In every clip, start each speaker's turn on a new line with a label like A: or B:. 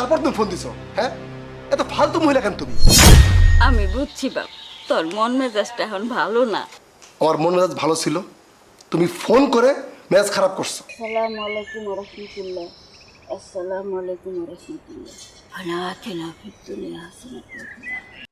A: তারপর তুমি ফোন দিছো, হ্যাঁ? এত ফালতু মহিলা কেন তুমি?
B: আমি বুঝছি বাপ, তোর মন মেজাজটা এখন ভালো না।
A: আমার মন মেজাজ ভালো ছিল, তুমি ফোন করে মেজাজ খারাপ করছো।
B: আসসালামু আলাইকুম ওয়া রাহমাতুল্লাহ। আসসালামু আলাইকুম ওয়া রাহমাতুল্লাহ। আলা আতিনা ফিদ দুনিয়া হাসানাতান ওয়া ফিল আখিরাতি।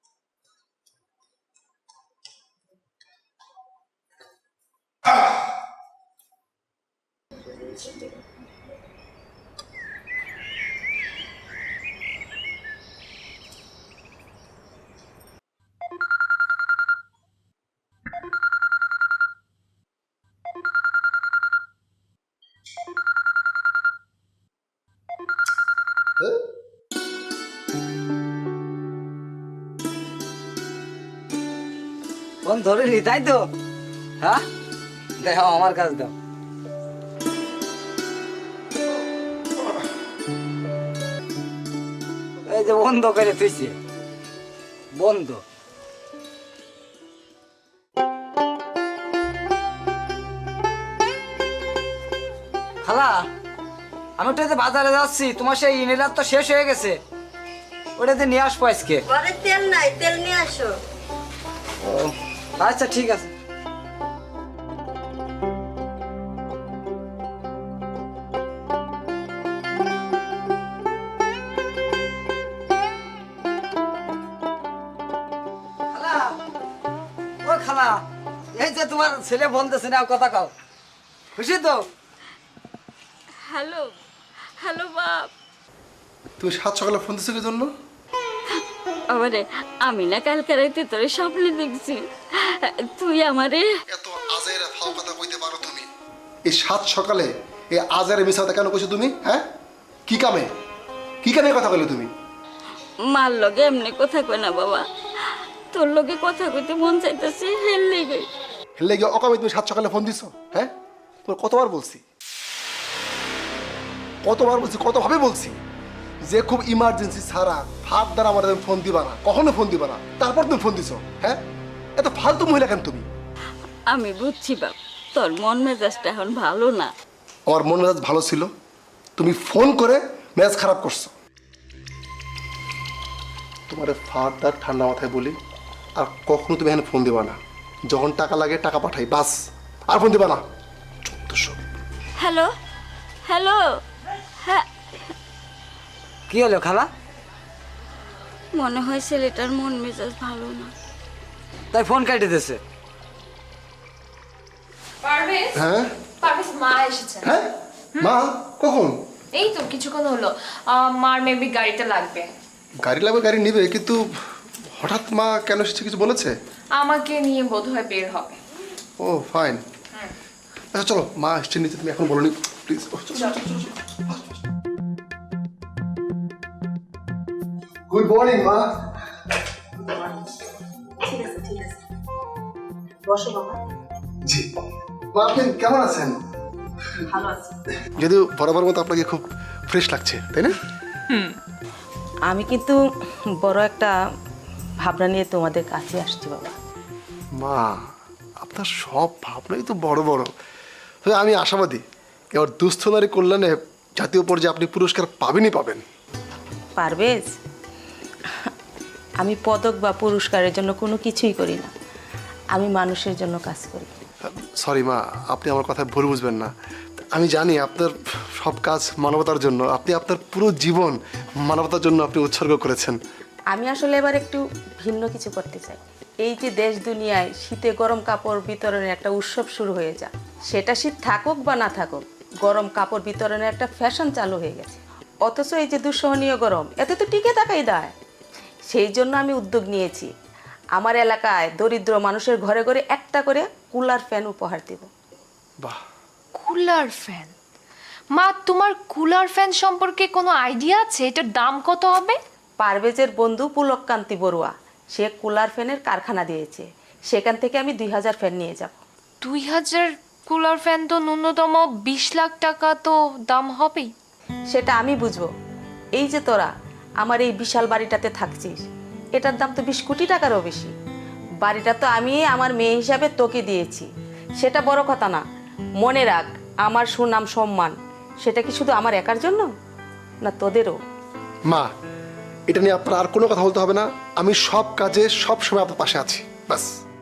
C: ফোন ধরিনি তাই তো? হ্যাঁ, দেখো আমার কাছ দাও। এই যে বন্ধ করে তুইছে, বন্ধ। খালা, আমি তো বাজারে যাচ্ছি, তোমার সেই ইনহেলার তো শেষ হয়ে গেছে, ওটাতে নিয়ে আসবো আজকে।
D: ঘরে তেল নাই, তেল নিয়ে আসো।
C: আচ্ছা ঠিক আছে। খালা, ও খালা, এই যে তোমার ছেলে বলতেছে না, কথা কও, খুশি তো?
B: হ্যালো হ্যালো বাপ।
A: তুমি সাত সকালে ফোন দিছো কি জন্য?
B: আমারে আমি না কালকে রাইতে তোরে স্বপ্নে দেখছি, তুই আমারে
A: এত আজেরা ফাও কথা কইতে পারো তুমি? এই সাত সকালে এই আজেরা মিছা কথা কেন কইছো তুমি, হ্যাঁ? কি কামে কথা বলে তুমি?
B: মার লগে এমনি কথা কই না বাবা, তোর লগে কথা কইতে মন চাইতেছে, হেল লেগে।
A: হেলে গিয়ে অকামে তুমি সাত সকালে ফোন দিছো, হ্যাঁ? তোর কতবার বলছি, কতভাবে বলছি যে খুব ইমার্জেন্সি ছাড়া ভাত দ্বারা আমার ফোন দিবা না, কখনো ফোন দিবা না, তারপর তুমি ফোন দিছো, হ্যাঁ? এত ফালতু মহিলা কেন তুমি?
B: আমি বুঝছি বাপ, তোর মন মেজাজটা এখন ভালো না।
A: আমার মন মেজাজ ভালো ছিল, তুমি ফোন করে মেজাজ খারাপ করছো। তোমার ফাটার ঠান্ডা মাথায় বলি, আর কখনো তুমি এখানে ফোন দিবা না। যখন টাকা লাগে টাকা পাঠাই, বাস, আর ফোন দিবা না। 1400।
B: Hello hello. হ্যাঁ,
C: কি হলো খালা?
B: মনে হয় ছেলেটার মন মেজাজ ভালো না।
C: তাই ফোন কেটে দিয়েছে।
E: পারভেজ,
A: হ্যাঁ
E: পারভেজ মা এসেছে।
A: হ্যাঁ, মা কখন?
E: এই তো কিছুক্ষণ হলো। মার মেবি গাড়িটা লাগবে।
A: গাড়ি লাগবে, গাড়ি নিবে, কিন্তু হঠাৎ মা কেন এসেছে কিছু বলেছে?
E: আমাকে নিয়ে বোধহয় বের হবে।
A: ও ফাইন। আচ্ছা চলো, মা এসছে নিতে, তুমি এখন বলোনি প্লিজ। গুড মর্নিং মা।
D: ঠিক আছে, ঠিক আছে। বসো বাবা।
A: জি মা, আপনি কেমন আছেন?
D: ভালো আছি।
A: যদিও বরাবর মতো আপনাকে খুব ফ্রেশ লাগছে, তাই না?
F: আমি কিন্তু বড় একটা ভাবনা নিয়ে তোমাদের কাছে আসছি বাবা।
A: মা, আপনার সব ভাবনাই তো বড় বড়। তবে আমি আশাবাদী এবার দুস্থ নারী কল্যাণে জাতীয় পর্যায়ে আপনি পুরস্কার পাবেনই পাবেন।
F: পারবেজ, আমি পদক বা পুরস্কারের জন্য কোনো কিছুই করি না, আমি মানুষের জন্য কাজ করি।
A: সরি মা, আপনি আমার কথা ভুল বুঝবেন না। আমি জানি আপনার সব কাজ মানবতার জন্য, আপনি আপনার পুরো জীবন মানবতার জন্য আপনি উৎসর্গ করেছেন।
F: আমি আসলে এবার একটু ভিন্ন কিছু করতে চাই। এই যে দেশ দুনিয়ায় শীতে গরম কাপড় বিতরণের একটা উৎসব শুরু হয়ে যায়, সেটা শীত থাকুক বা না থাকুক, গরম কাপড় বিতরণের একটা ফ্যাশন চালু হয়ে গেছে। অথচ এই যে দুঃসহনীয় গরম, এতে তো টিকে থাকাই দায়। সেই জন্য আমি উদ্যোগ নিয়েছি, আমার এলাকায় দরিদ্র মানুষের ঘরে ঘরে একটা করে কুলার ফ্যান উপহার দেব।
A: বাহ,
E: কুলার ফ্যান? মা, তোমার কুলার ফ্যান সম্পর্কে কোনো আইডিয়া আছে? এটার দাম কত হবে?
F: পারভেজের বন্ধু পুলককান্তি বড়ুয়া, সে কুলার ফ্যানের কারখানা দিয়েছে, সেখান থেকে আমি 2000 ফ্যান নিয়ে যাব।
E: 2000 কুলার ফ্যান তো ন্যূনতম 20 লাখ টাকা তো দাম হবেই।
F: সেটা আমি বুঝবো। এই যে তোরা আমার এই বিশাল বাড়িটাতে থাকছিস, এটার দাম তো 20 কোটি টাকারও বেশি। বাড়িটা তো আমি আমার মেয়ে হিসাবে তোকে দিয়েছি, সেটা বড় কথা না। মনে রাখ, আমার সুনাম সম্মান সেটা কি শুধু আমার একার জন্য, না তোদেরও?
A: মা, এটা নিয়ে আপনার আর কোনো কথা বলতে হবে না। আমি সব কাজে সব সময় আপনার পাশে আছি, বাস।